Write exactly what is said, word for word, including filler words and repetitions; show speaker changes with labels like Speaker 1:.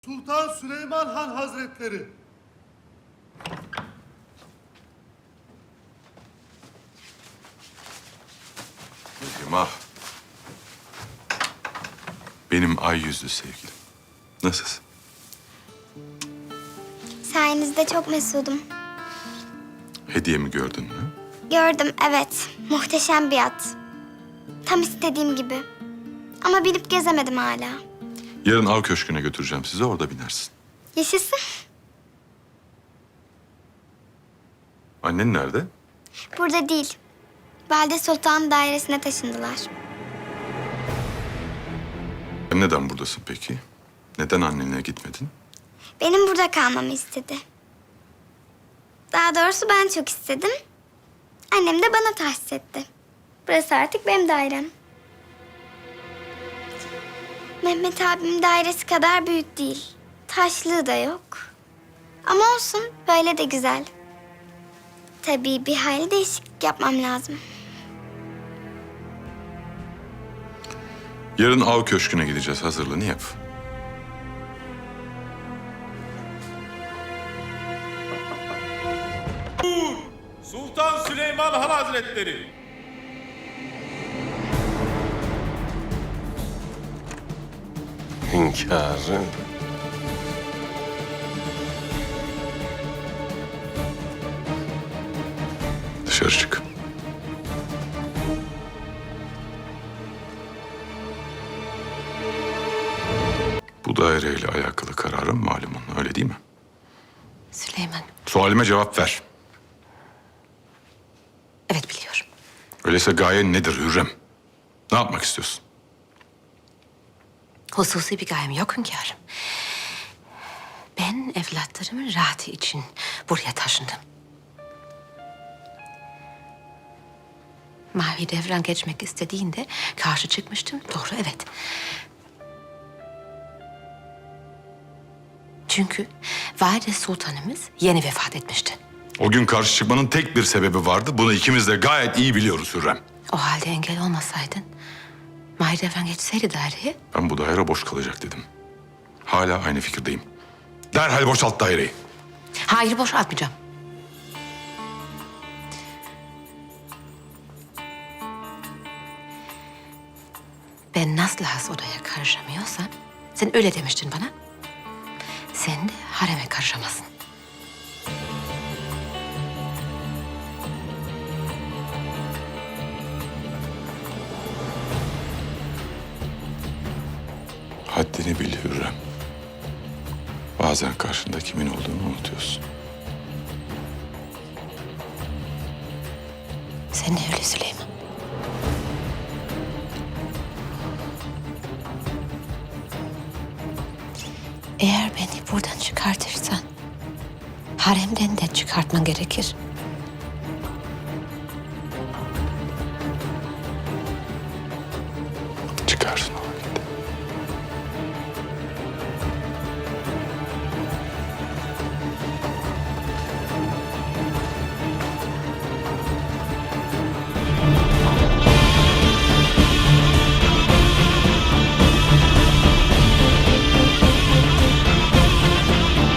Speaker 1: Sultan Süleyman Han Hazretleri.
Speaker 2: Şeyma. Benim ay yüzlü sevgilim. Nasılsın?
Speaker 3: Sayenizde çok mesudum.
Speaker 2: Hediyemi gördün mü?
Speaker 3: Gördüm, evet. Muhteşem bir at. Tam istediğim gibi. Ama binip gezemedim hala.
Speaker 2: Yarın av köşküne götüreceğim sizi, orada binersin.
Speaker 3: Yaşasın.
Speaker 2: Annen nerede?
Speaker 3: Burada değil. Valide Sultan dairesine taşındılar.
Speaker 2: Neden buradasın peki? Neden annenle gitmedin?
Speaker 3: Benim burada kalmamı istedi. Daha doğrusu ben çok istedim. Annem de bana tahsis etti. Burası artık benim dairem. Mehmet abim dairesi kadar büyük değil. Taşlığı da yok. Ama olsun, böyle de güzel. Tabii bir hayli değişiklik yapmam lazım.
Speaker 2: Yarın av köşküne gideceğiz, hazırlığını yap.
Speaker 4: Sultan Süleyman Han Hazretleri.
Speaker 5: Hünkârım.
Speaker 2: Dışarı çık. Bu daireyle alakalı kararım malumun, öyle değil mi?
Speaker 6: Süleyman,
Speaker 2: Sualime cevap ver.
Speaker 6: evet biliyorum.
Speaker 2: Öyleyse gayen nedir Hürrem? Ne yapmak istiyorsun?
Speaker 6: Hususi bir gayem yok hünkârım. Ben evlatlarımın rahatı için buraya taşındım. Mahidevran geçmek istediğinde karşı çıkmıştım. Doğru, evet. Çünkü Valide Sultanımız yeni vefat etmişti.
Speaker 2: O gün karşı çıkmanın tek bir sebebi vardı. Bunu ikimiz de gayet iyi biliyoruz Hürrem.
Speaker 6: O halde engel olmasaydın, Mahidevran geçseydi daireye,
Speaker 2: Ben bu daire boş kalacak dedim. Hala aynı fikirdeyim. Derhal boşalt daireyi.
Speaker 6: hayır boşaltmayacağım. Ben nasıl has odaya karışamıyorsam, sen öyle demiştin bana. Sen de hareme karışamazsın.
Speaker 2: Haddini bil Hürrem. Bazen karşında kimin olduğunu unutuyorsun.
Speaker 6: Sen de öyle Süleyman. Eğer beni buradan çıkartırsan, haremden de çıkartman gerekir.